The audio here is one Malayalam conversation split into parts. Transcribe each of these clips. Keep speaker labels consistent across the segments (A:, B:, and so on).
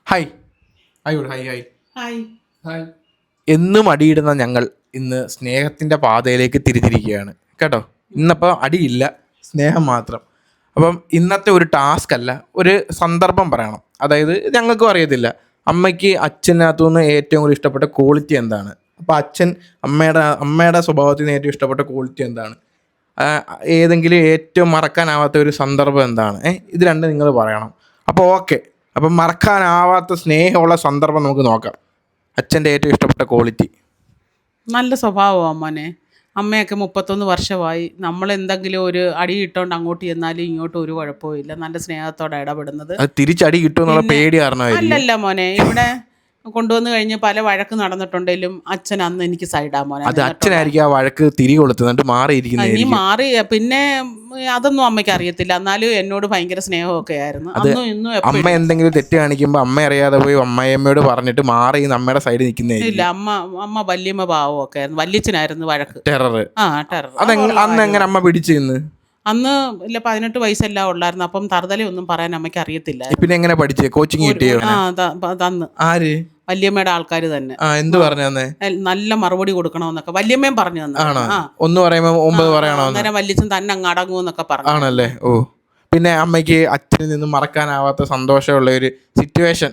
A: Hi hi hi hi
B: hi.
C: Hi.
A: എന്നും അടിയിടുന്ന ഞങ്ങൾ ഇന്ന് സ്നേഹത്തിൻ്റെ പാതയിലേക്ക് തിരിച്ചിരിക്കുകയാണ് കേട്ടോ. ഇന്നപ്പോൾ അടിയില്ല, സ്നേഹം മാത്രം. അപ്പം ഇന്നത്തെ ഒരു ടാസ്ക് അല്ല, ഒരു സന്ദർഭം പറയണം. അതായത് ഞങ്ങൾക്കും അറിയത്തില്ല അമ്മയ്ക്ക് അച്ഛനകത്തുനിന്ന് ഏറ്റവും കൂടുതൽ ഇഷ്ടപ്പെട്ട ക്വാളിറ്റി എന്താണ്. അപ്പോൾ അച്ഛൻ അമ്മയുടെ സ്വഭാവത്തിൽ നിന്ന് ഏറ്റവും ഇഷ്ടപ്പെട്ട ക്വാളിറ്റി എന്താണ്, ഏതെങ്കിലും ഏറ്റവും മറക്കാനാവാത്ത ഒരു സന്ദർഭം എന്താണ്, ഇത് രണ്ടും നിങ്ങൾ പറയണം. അപ്പോൾ ഓക്കെ, അപ്പം മറക്കാനാവാത്ത സ്നേഹമുള്ള സന്ദർഭം നമുക്ക് നോക്കാം. അച്ഛൻ്റെ ഏറ്റവും ഇഷ്ടപ്പെട്ട ക്വാളിറ്റി.
B: നല്ല സ്വഭാവമാണ് മോനെ. അമ്മയൊക്കെ 31 വർഷമായി. നമ്മൾ എന്തെങ്കിലും ഒരു അടി ഇട്ടോണ്ട് അങ്ങോട്ട് ചെന്നാലും ഇങ്ങോട്ടും ഒരു കുഴപ്പമില്ല. നല്ല സ്നേഹത്തോടെ ഇടപെടുന്നത്.
A: അത് തിരിച്ചടി കിട്ടുമെന്നുള്ള പേടി കാരണമായിരിക്കും.
B: അല്ലല്ല മോനെ, ഇവിടെ കൊണ്ടുവന്ന് കഴിഞ്ഞ് പല വഴക്ക് നടന്നിട്ടുണ്ടെങ്കിലും അച്ഛൻ അന്ന് എനിക്ക് സൈഡാ മോനെ.
A: അത് അച്ഛനായിരിക്കും ആ വഴക്ക് തിരി കൊടുത്തത്, എന്നിട്ട്
B: നീ
A: മാറിയിരിക്കുന്നത്.
B: മാറി പിന്നെ അതൊന്നും അമ്മയ്ക്ക് അറിയത്തില്ല. എന്നാലും എന്നോട് ഭയങ്കര സ്നേഹമൊക്കെ ആയിരുന്നു അന്നും ഇന്നും
A: അമ്മ
B: എപ്പോഴും.
A: എന്തെങ്കിലും തെറ്റ് കാണിക്കുമ്പോൾ അമ്മ അറിയാതെ പോയി അമ്മയമ്മയോട് പറഞ്ഞിട്ട് മാറി അമ്മയുടെ സൈഡിൽ നിൽക്കുന്നതായിരിക്കും.
B: ഇല്ല, അമ്മ വല്യമ്മ പാവമൊക്കെ ആയിരുന്നു. വല്യച്ഛനായിരുന്നു വഴക്ക്.
A: ടെറർ.
B: ടെറർ.
A: അന്ന് എങ്ങനെ അമ്മ പിടിച്ചു നിന്ന്?
B: അന്ന് ഇല്ല 18 വയസ്സെല്ലാം ഉള്ളായിരുന്നു. അപ്പം തറുതലയൊന്നും പറയാൻ അമ്മയ്ക്ക് അറിയത്തില്ല.
A: പിന്നെ എങ്ങനെ പഠിച്ചേ? കോച്ചിങ് കിട്ടിയോ?
B: തന്ന്
A: ആര്?
B: വല്യമ്മയുടെ ആൾക്കാർ തന്നെ.
A: എന്ത് പറഞ്ഞു തന്നെ?
B: നല്ല മറുപടി കൊടുക്കണമെന്നൊക്കെ വല്യമ്മയും പറഞ്ഞു തന്നെ.
A: ആണോ? ഒന്ന് പറയുമ്പോ 9 പറയണോ?
B: അന്നേരം വല്യച്ഛൻ തന്നെ അങ്ങ് അടങ്ങുമെന്നൊക്കെ പറഞ്ഞു.
A: ആണല്ലേ? ഓ. പിന്നെ അമ്മയ്ക്ക് അച്ഛനിൽ നിന്ന് മറക്കാനാവാത്ത സന്തോഷമുള്ള ഒരു സിറ്റുവേഷൻ?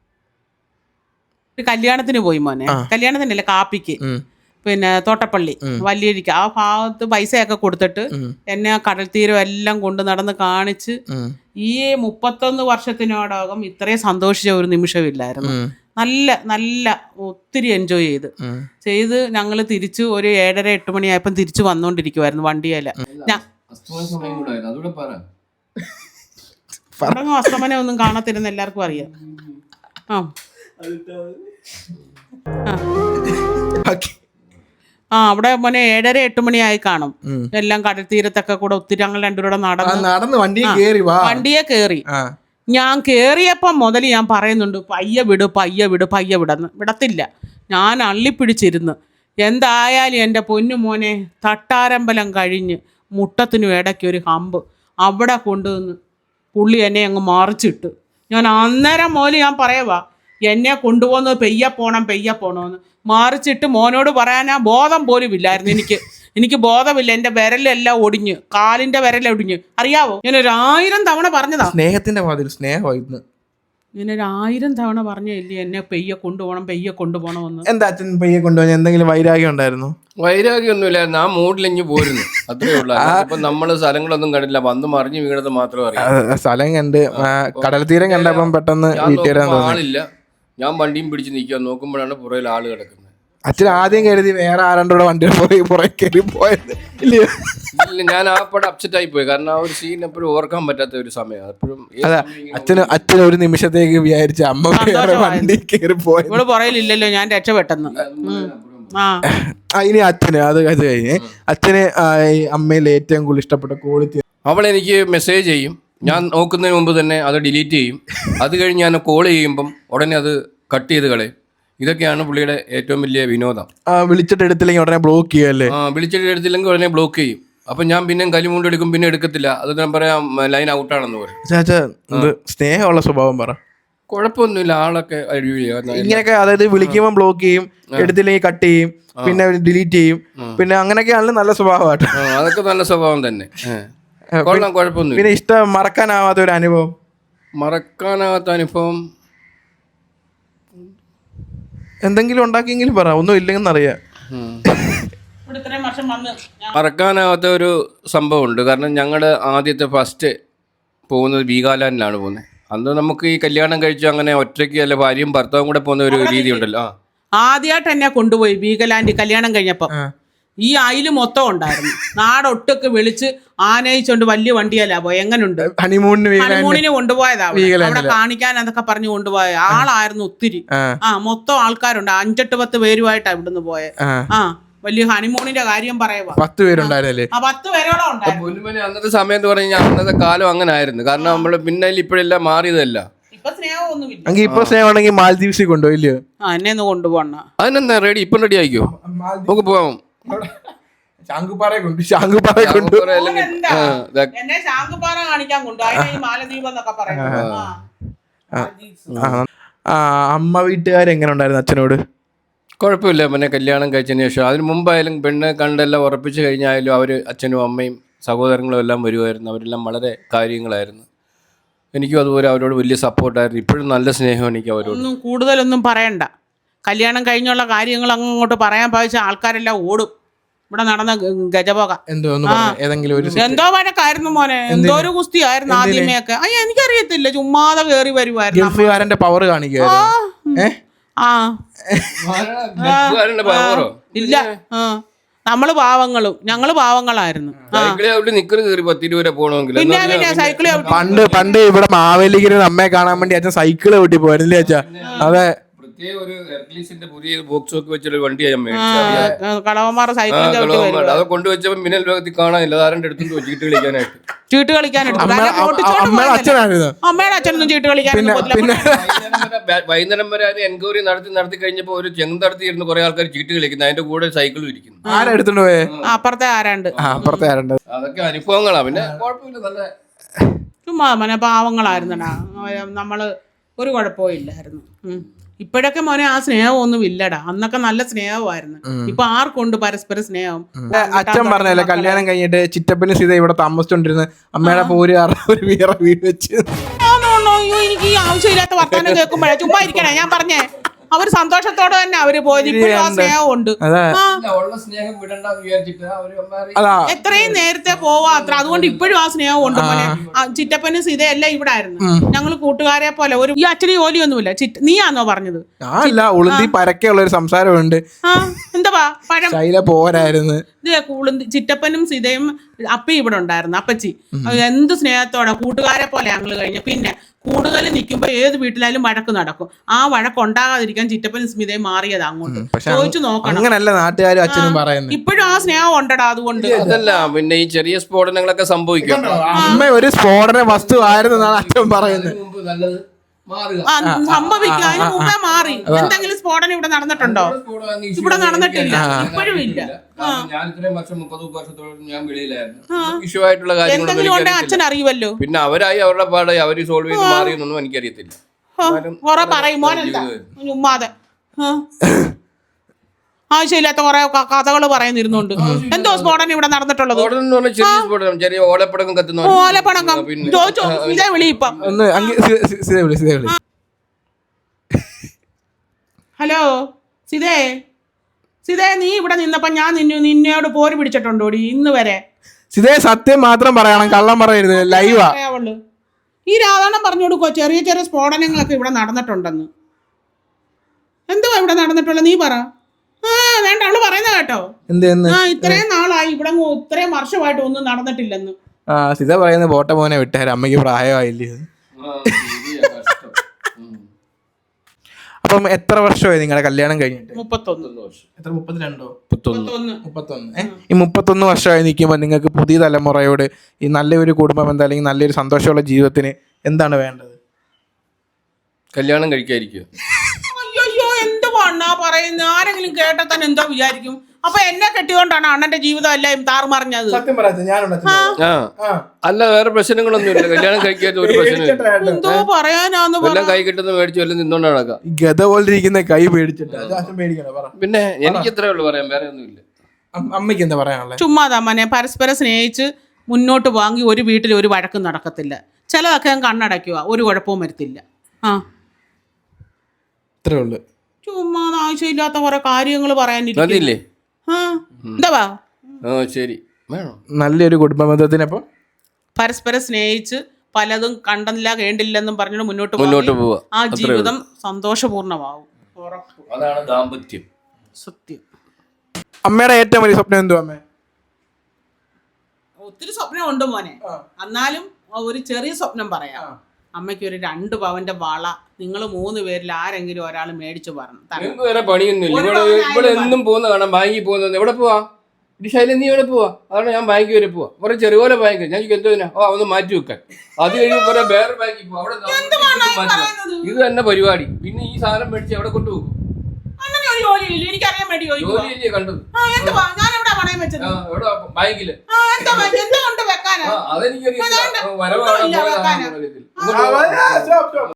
B: ഒരു കല്യാണത്തിന് പോയി മോനെ. കല്യാണത്തിനല്ല, കാപ്പിക്ക്. പിന്നെ തോട്ടപ്പള്ളി വലിയരിക്ക ആ ഭാഗത്ത് പൈസയൊക്കെ കൊടുത്തിട്ട് എന്നെ ആ കടൽ തീരം എല്ലാം കൊണ്ട് നടന്ന് കാണിച്ച് ഈ 31 വർഷത്തിനോടകം ഇത്രയും സന്തോഷിച്ച ഒരു നിമിഷമില്ലായിരുന്നു. നല്ല നല്ല ഒത്തിരി എൻജോയ് ചെയ്ത് ഞങ്ങൾ തിരിച്ചു ഒരു 7:30-8 മണിയായപ്പം തിരിച്ചു വന്നോണ്ടിരിക്കുവായിരുന്നു വണ്ടിയല്ല. അസ്തമനം ഒന്നും കാണത്തിരുന്ന എല്ലാവർക്കും അറിയാം. അവിടെ മോനെ 7:30-8 മണിയായി കാണും. എല്ലാം കടൽ തീരത്തൊക്കെ കൂടെ ഒത്തിരി ഞങ്ങൾ രണ്ടുപേരുടെ നടന്ന് വണ്ടിയെ കേറി. ഞാൻ കേറിയപ്പം മുതൽ ഞാൻ പറയുന്നുണ്ട് പയ്യെ വിടെന്ന്. വിടത്തില്ല. ഞാൻ അള്ളിപ്പിടിച്ചിരുന്ന്. എന്തായാലും എൻ്റെ പൊന്നു മോനെ, തട്ടാരമ്പലം കഴിഞ്ഞ് മുട്ടത്തിനും ഇടയ്ക്ക് ഒരു ഹമ്പ് അവിടെ കൊണ്ടുവന്ന് പുള്ളി എന്നെ അങ്ങ് മറിച്ചിട്ട്. ഞാൻ അന്നേരം മുതൽ ഞാൻ പറയുവാ, എന്നെ കൊണ്ടുപോകുന്നത് പെയ്യെ പോണമെന്ന്. മറിച്ചിട്ട് മോനോട് പറയാനാ ബോധം പോലും ഇല്ലായിരുന്നു. എനിക്ക് ബോധമില്ല. എൻ്റെ വിരലെല്ലാം ഒടിഞ്ഞ്, കാലിൻ്റെ വിരലൊടിഞ്ഞ്. അറിയാവോ, ഞാനൊരു 1000 തവണ പറഞ്ഞതാ.
A: സ്നേഹത്തിന്റെ വാതിൽ സ്നേഹമായിരുന്നു.
B: ഞാനൊരു 1000 തവണ പറഞ്ഞില്ലേ എന്നെ പെയ്യെ കൊണ്ടുപോകണമെന്ന്.
A: എന്താ അച്ഛൻ പെയ്യെ കൊണ്ടുപോകാൻ എന്തെങ്കിലും വൈരാഗ്യം ഉണ്ടായിരുന്നു?
C: വൈരാഗ്യമൊന്നുമില്ലായിരുന്നു. ആ മൂഡിലിഞ്ഞ് പോരുന്നു, അത്രേ ഉള്ളൂ. ഇപ്പൊ നമ്മള് സ്ഥലങ്ങളൊന്നും കണ്ടില്ല, വന്ന് മറിഞ്ഞു വീണത് മാത്രമേ അറിയാം.
A: സ്ഥലം കണ്ട് കടൽ തീരം കണ്ടപ്പം പെട്ടെന്ന്
C: ആളില്ല. ഞാൻ വണ്ടിയും പിടിച്ച് നിൽക്കുക, നോക്കുമ്പോഴാണ് പുറയിൽ ആള് കിടക്കുന്നത്.
A: അച്ഛൻ ആദ്യം കരുതി വേറെ ആരണ്ടോടെ വണ്ടി പുറകെ കയറി പോയത്. ഇല്ല,
C: ഞാൻ ആ പടം അപ്സെറ്റ് ആയി പോയി. കാരണം ആ ഒരു സീൻ എപ്പോഴും ഓർക്കാൻ പറ്റാത്ത ഒരു സമയം. എപ്പോഴും
A: അച്ഛൻ ഒരു നിമിഷത്തേക്ക് വിചാരിച്ച അമ്മ വണ്ടി കയറി പോയത്.
B: ഇവിടെ പുറയിലില്ലല്ലോ, ഞാൻ രക്ഷപ്പെട്ടെന്ന്.
A: ഇനി അച്ഛന് അത് കഴിഞ്ഞ് അച്ഛന് അമ്മയിൽ ഏറ്റവും കൂടുതൽ ഇഷ്ടപ്പെട്ട ക്വാളിറ്റി?
C: അവൾ എനിക്ക് മെസ്സേജ് ചെയ്യും, ഞാൻ നോക്കുന്നതിന് മുമ്പ് തന്നെ അത് ഡിലീറ്റ് ചെയ്യും. അത് കഴിഞ്ഞ് ഞാൻ കോൾ ചെയ്യുമ്പം ഉടനെ അത് കട്ട് ചെയ്ത് കളയും. ഇതൊക്കെയാണ് പുള്ളിയുടെ ഏറ്റവും വലിയ വിനോദം.
A: വിളിച്ചിട്ട് എടുത്തില്ലെങ്കിൽ ഉടനെ ബ്ലോക്ക് ചെയ്യല്ലേ?
C: വിളിച്ചിട്ട് എടുത്തില്ലെങ്കിൽ ഉടനെ ബ്ലോക്ക് ചെയ്യും. അപ്പം ഞാൻ പിന്നെ കലിമുണ്ട് എടുക്കും, പിന്നെ എടുക്കത്തില്ല. അത് ഞാൻ പറയാം ലൈൻ ഔട്ടാണെന്ന് പറയും.
A: സ്നേഹമുള്ള സ്വഭാവം പറ.
C: കുഴപ്പമൊന്നുമില്ല, ആളൊക്കെ
A: ഇങ്ങനെയൊക്കെ. അതായത് വിളിക്കുമ്പോൾ ബ്ലോക്ക് ചെയ്യും, എടുത്തില്ലെങ്കിൽ കട്ട് ചെയ്യും, പിന്നെ ഡിലീറ്റ് ചെയ്യും, പിന്നെ അങ്ങനെയൊക്കെയാണല്ലോ നല്ല സ്വഭാവമായിട്ട്.
C: അതൊക്കെ നല്ല സ്വഭാവം തന്നെ. കൊള്ളാം, കുഴപ്പമൊന്നുമില്ല.
A: പിന്നെ ഇഷ്ടം മറക്കാനാവാത്ത ഒരു അനുഭവം?
C: മറക്കാനാവാത്ത അനുഭവം
A: എന്തെങ്കിലും ഉണ്ടാക്കിയെങ്കിലും പറ. ഒന്നും ഇല്ലെന്ന് അറിയാം.
C: മറക്കാനാവാത്ത ഒരു സംഭവം ഉണ്ട്. കാരണം ഞങ്ങളുടെ ആദ്യത്തെ ഫസ്റ്റ് പോകുന്നത് വീഗാലാൻഡിലാണ് പോകുന്നത്. അന്ന് നമുക്ക് ഈ കല്യാണം കഴിച്ചു അങ്ങനെ ഒറ്റയ്ക്ക് അല്ല, ഭാര്യയും ഭർത്താവും കൂടെ പോകുന്ന ഒരു രീതി ഉണ്ടല്ലോ.
B: ആദ്യമായിട്ട് എന്നെ കൊണ്ടുപോയി വീഗാലാൻഡ് കല്യാണം കഴിഞ്ഞപ്പോ. ഈ അയില് മൊത്തം ഉണ്ടായിരുന്നു. നാടൊട്ടൊക്കെ വിളിച്ച് ആനയിച്ചോണ്ട് വലിയ വണ്ടിയല്ല പോയി. എങ്ങനുണ്ട്? ഹണിമൂണിന് കൊണ്ടുപോയതാ. അവിടെ കാണിക്കാൻ അതൊക്കെ പറഞ്ഞു കൊണ്ടുപോയ ആളായിരുന്നു ഒത്തിരി. മൊത്തം ആൾക്കാരുണ്ട്. 5-8 പേരുമായിട്ടാ ഇവിടുന്ന് പോയെ. വലിയ ഹണിമൂണിന്റെ കാര്യം പറയുക.
A: 10 പേരുണ്ടായിരുന്നല്ലേ?
B: 10 പേരോളം ഉണ്ടായിരുന്നു.
C: അന്നത്തെ സമയം എന്ന് പറഞ്ഞു കഴിഞ്ഞാൽ അന്നത്തെ കാലം അങ്ങനെ ആയിരുന്നു. കാരണം നമ്മള് പിന്നെ ഇപ്പോഴെല്ലാം മാറിയതല്ല.
B: ഇപ്പൊ സ്നേഹമൊന്നുമില്ല.
A: ഇപ്പൊ സ്നേഹമാണെങ്കിൽ മാലദ്വീപ്സിൽ കൊണ്ടുപോയില്ലയോ?
B: എന്നെ ഒന്ന് കൊണ്ടുപോകണ.
C: അതിനെന്താ റെഡി? ഇപ്പം റെഡി ആയിക്കോ, നമുക്ക് പോവാം.
A: ശാങ്കുപാറ
B: എന്നെ ശാങ്കുപാറ കാണിക്കാൻ കൊണ്ടുപോയി. മാലദ്വീപ് എന്നൊക്കെ പറയുന്നത്.
A: അമ്മ വീട്ടുകാരെങ്ങനെ ഉണ്ടായിരുന്നു അച്ഛനോട്?
C: കുഴപ്പമില്ല. പിന്നെ കല്യാണം കഴിച്ചതിന് ശേഷം അതിന് മുമ്പായാലും പെണ്ണ് കണ്ടെല്ലാം ഉറപ്പിച്ച് കഴിഞ്ഞായാലും അവർ അച്ഛനും അമ്മയും സഹോദരങ്ങളും എല്ലാം വരുമായിരുന്നു. അവരെല്ലാം വളരെ കാര്യങ്ങളായിരുന്നു. എനിക്കും അതുപോലെ അവരോട് വലിയ സപ്പോർട്ടായിരുന്നു. ഇപ്പോഴും നല്ല സ്നേഹം എനിക്ക് അവരോട്.
B: ഒന്നും കൂടുതലൊന്നും പറയണ്ട. കല്യാണം കഴിഞ്ഞുള്ള കാര്യങ്ങൾ അങ്ങോട്ട് പറയാൻ പാവിച്ച ആൾക്കാരെല്ലാം ഓടും. ഇവിടെ നടന്ന ഗജപോക എന്തോ വഴക്കായിരുന്നു മോനെ, എന്തോ ഒരു കുസ്തിയായിരുന്നു ആദ്യമേയൊക്കെ. അയ്യ എനിക്കറിയത്തില്ല, ചുമ്മാതെ കേറി വരുമായിരുന്നു.
A: ഗൾഫുകാരന്റെ പവർ കാണിക്കുവായിരുന്നു.
B: ഇല്ല, നമ്മള് പാവങ്ങളും, ഞങ്ങള് പാവങ്ങളായിരുന്നു. പിന്നെ പിന്നെ സൈക്കിള്
A: പണ്ട് ഇവിടെ മാവേലിക്കര അമ്മയെ കാണാൻ വേണ്ടി അച്ഛൻ സൈക്കിള് കൂട്ടി പോയിരുന്നില്ലേ അച്ഛാ? അതെ,
B: കളവന്മാർ സൈക്കിൾ
C: അത് കൊണ്ടുവച്ചപ്പോ മിന്നൽ ലോകത്തിൽ കാണാനില്ല. ആരുടെ അടുത്തും ചീട്ട് കളിക്കാനായിട്ട്
B: ചീട്ട് കളിക്കാനായിട്ട് അമ്മയുടെ അച്ഛനൊന്നും ചീട്ട് കളിക്കാൻ.
C: വൈകുന്നേരം വരെ അത് എൻക്വയറി നടത്തി കഴിഞ്ഞപ്പോ ഒരു ചെങ്ങ് നടത്തിയിരുന്ന കുറെ ആൾക്കാർ ചീട്ട് കളിക്കുന്നു. അതിന്റെ കൂടെ സൈക്കിളും ഇരിക്കുന്നു.
A: ആരെടുത്തോണ്ട് പോയേ?
B: അപ്പുറത്തെ ആരാണ്ട്.
C: അതൊക്കെ അനുഭവങ്ങളാ. പിന്നെ കുഴപ്പമില്ല, നല്ല
B: ചുമ്മാ മോനെ പാവങ്ങളായിരുന്നടാ നമ്മള്. ഒരു കുഴപ്പവും ഇല്ലായിരുന്നു. ഇപ്പോഴൊക്കെ മോനെ ആ സ്നേഹമൊന്നും ഇല്ലടാ. അന്നൊക്കെ നല്ല സ്നേഹമായിരുന്നു. ഇപ്പൊ ആർക്കുണ്ട് പരസ്പര സ്നേഹം?
A: അച്ഛൻ പറഞ്ഞല്ലേ കല്യാണം കഴിഞ്ഞിട്ട് ചിറ്റപ്പന് സീത ഇവിടെ താമസിച്ചോണ്ടിരുന്ന അമ്മയുടെ പോര് ഒരു വേറെ വീട് വെച്ച്.
B: എനിക്ക് ഈ ആവശ്യമില്ലാത്ത വർത്താനം കേൾക്കുമ്പോഴേ ചുമ്മാ ഇരിക്കണേ. ഞാൻ പറഞ്ഞേ, അവർ സന്തോഷത്തോടെ തന്നെ അവര് പോയത്. ഇപ്പോഴും ആ സ്നേഹമുണ്ട്. എത്രയും നേരത്തെ പോവാ അത്ര. അതുകൊണ്ട് ഇപ്പോഴും ആ സ്നേഹമുണ്ട് മോനെ. ചിറ്റപ്പനും സീതയെല്ലാം ഇവിടെ ആയിരുന്നു. ഞങ്ങള് കൂട്ടുകാരെ പോലെ. ഒരു ഈ അച്ഛന് ജോലിയൊന്നുമില്ല. നീയാന്നോ പറഞ്ഞത്?
A: ഉളുന്തി പരക്കെയുള്ള ഒരു സംസാരമുണ്ട്.
B: എന്താ പഴം
A: പോരായിരുന്നു.
B: ചിറ്റപ്പനും സീതയും അപ്പി ഇവിടെ ഉണ്ടായിരുന്നു. അപ്പച്ചി എന്ത് സ്നേഹത്തോടെ കൂട്ടുകാരെ പോലെ ഞങ്ങള് കഴിഞ്ഞു. പിന്നെ കൂടുതൽ നിൽക്കുമ്പോ ഏത് വീട്ടിലായാലും വഴക്ക് നടക്കും. ആ വഴക്ക് ഉണ്ടാകാതിരിക്കാൻ ചിറ്റപ്പനും സ്മിതയും മാറിയത് അങ്ങോട്ട് ചോദിച്ചു നോക്കണം. ഇപ്പോഴും ആ സ്നേഹം ഉണ്ടടാ. അതുകൊണ്ട്
C: അതല്ല, പിന്നെ ഈ ചെറിയ സ്ഫോടനങ്ങളൊക്കെ സംഭവിക്കും.
A: അമ്മ ഒരു സ്ഫോടന വസ്തു ആയിരുന്നെന്നാണ് അച്ഛൻ പറയുന്നത്.
B: സംഭവിക്കും. അതിന് മുമ്പേ മാറി. എന്തെങ്കിലും സ്ഫോടനം ഇവിടെ നടന്നിട്ടുണ്ടോ? ഇവിടെ നടന്നിട്ടില്ല, ഇപ്പോഴും ഇല്ല. എന്തെങ്കിലും ഉണ്ടെങ്കിൽ അച്ഛൻ അറിയുമല്ലോ.
C: പിന്നെ അവരായി അവരുടെ പാടായി അവര് സോൾവ് ചെയ്ത് മാറിയെന്നൊന്നും എനിക്കറിയത്തില്ല.
B: കൊറേ പറയും മോനെന്താ ചുമ്മാതെ ആവശ്യമില്ലാത്ത കുറെ കഥകൾ പറയുന്നിരുന്നുണ്ട്. എന്തോ സ്ഫോടനം ഇവിടെ നടന്നിട്ടുള്ളത്? ഓലപ്പടക്കം ചോദിച്ചോ. ഇതേ വിളി ഇപ്പം. ഹലോ സിതേ, സിതേ നീ ഇവിടെ നിന്നപ്പോ ഞാൻ നിന്നോട് പോര് പിടിച്ചിട്ടുണ്ടോടി ഇന്ന് വരെ?
A: സിതേ സത്യം മാത്രം പറയണം, കള്ളം പറയരുത്. ലൈവാ.
B: ഈ രാധാണം പറഞ്ഞു കൊടുക്കോ ചെറിയ ചെറിയ സ്ഫോടനങ്ങളൊക്കെ ഇവിടെ നടന്നിട്ടുണ്ടെന്ന്. എന്തുവാ ഇവിടെ നടന്നിട്ടുള്ളത് നീ പറ. വേണ്ട അവള് പറയുന്ന കേട്ടോ. ഇത്രയും നാളായി ഇവിടെ ഇത്രയും വർഷമായിട്ട് ഒന്നും നടന്നിട്ടില്ലെന്ന്.
A: സിത പറയുന്നത് ബോട്ട മോനെ വിട്ടേരാ, അമ്മയ്ക്ക് പ്രായമായില്ലേ. അപ്പം എത്ര വർഷമായി നിങ്ങളുടെ കല്യാണം കഴിഞ്ഞിട്ട്?
B: 31 വർഷം.
A: എത്ര? 32? 31. ഈ 31 വർഷമായി നിൽക്കുമ്പോൾ നിങ്ങൾക്ക് പുതിയ തലമുറയോട് ഈ നല്ലൊരു കുടുംബം എന്താ, അല്ലെങ്കിൽ നല്ലൊരു സന്തോഷമുള്ള ജീവിതത്തിന് എന്താണ് വേണ്ടത്?
C: കല്യാണം കഴിക്കാതിരിക്കുക.
B: അയ്യോ എന്തുവാണാ പറയുന്നത്? ആരെങ്കിലും കേട്ടാൽ തന്നെ എന്തോ വിചാരിക്കും. അപ്പൊ എന്നെ കെട്ടിയോണ്ടാണ് അണ്ണന്റെ ജീവിതം എല്ലാം താറുമറിഞ്ഞത്.
C: അല്ല, വേറെ പ്രശ്നങ്ങളൊന്നുമില്ല. കല്യാണം കഴിക്കാത്ത ഒരു പ്രശ്നമില്ല.
B: എന്തോ പറയാനാന്ന്
C: കൈ കിട്ടുന്ന മേടിച്ചു വല്ല നിന്നോണ്ട് നടക്കാം.
A: ഗത പോലിരിക്കുന്ന കൈ പേടിച്ചിട്ട്.
C: പിന്നെ എനിക്ക് ഇത്രേ ഉള്ളു പറയാൻ, വേറെ ഒന്നുമില്ല.
A: അമ്മയ്ക്ക് എന്താ പറയാനുള്ളത്?
B: ചുമ്മാതാ മോനെ, പരസ്പരം സ്നേഹിച്ച് മുന്നോട്ട് വാങ്ങി ഒരു വീട്ടിൽ ഒരു വഴക്കും നടക്കത്തില്ല. ചിലതൊക്കെ ഞാൻ കണ്ണടയ്ക്കുക, ഒരു കുഴപ്പവും വരുത്തില്ല.
A: ഇത്രേ ഉള്ളു.
B: ചുമ്മാ ആവശ്യമില്ലാത്ത കുറെ കാര്യങ്ങൾ പറയാനില്ലേ. എന്താ
C: ശരി,
A: നല്ലൊരു കുടുംബബന്ധത്തിനപ്പം
B: പരസ്പരം സ്നേഹിച്ച് പലതും കണ്ടില്ല കേണ്ടില്ലെന്നും പറഞ്ഞു മുന്നോട്ട്
C: പോവാ.
B: ആ ജീവിതം സന്തോഷപൂർണ്ണമാവും.
C: അതാണ് ദാമ്പത്യം.
B: സത്യം.
A: അമ്മയുടെ ഏറ്റവും വലിയ സ്വപ്നം എന്തുവാ? അമ്മ
B: ഒത്തിരി സ്വപ്നം ഉണ്ട് മോനെ. എന്നാലും ഒരു ചെറിയ സ്വപ്നം പറയാം. അമ്മയ്ക്ക് ഒരു 2 പവന്റെ വള നിങ്ങൾ 3 പേരിൽ ആരെങ്കിലും ഒരാൾ മേടിച്ചു പറഞ്ഞു.
C: വേറെ പണിയൊന്നുമില്ല. ഇവിടെ എന്നും പോകുന്ന കാണാം, ബാങ്കിൽ പോകുന്നത്. എവിടെ പോവാ ശൈലം? നീ എവിടെ പോവാ? അതാണ് ഞാൻ ബാങ്കിൽ വരെ പോവാ. കുറെ ചെറുപോലെ ബാങ്ക്. ഞാൻ എന്തോ ഒന്ന് മാറ്റി വെക്കാൻ. അത് കഴിയുമ്പോൾ വേറെ ബാങ്കിൽ പോവാ. അവിടെ ഇത് തന്നെ പരിപാടി. പിന്നെ ഈ സാധനം മേടിച്ച് എവിടെ കൊണ്ടുപോകും?
B: എനിക്കറിയാൻ വേണ്ടി
C: കണ്ടത് ബാങ്കില്
B: വെക്കാനാ?
C: അതെനിക്കറിയാം. വരവാണ്.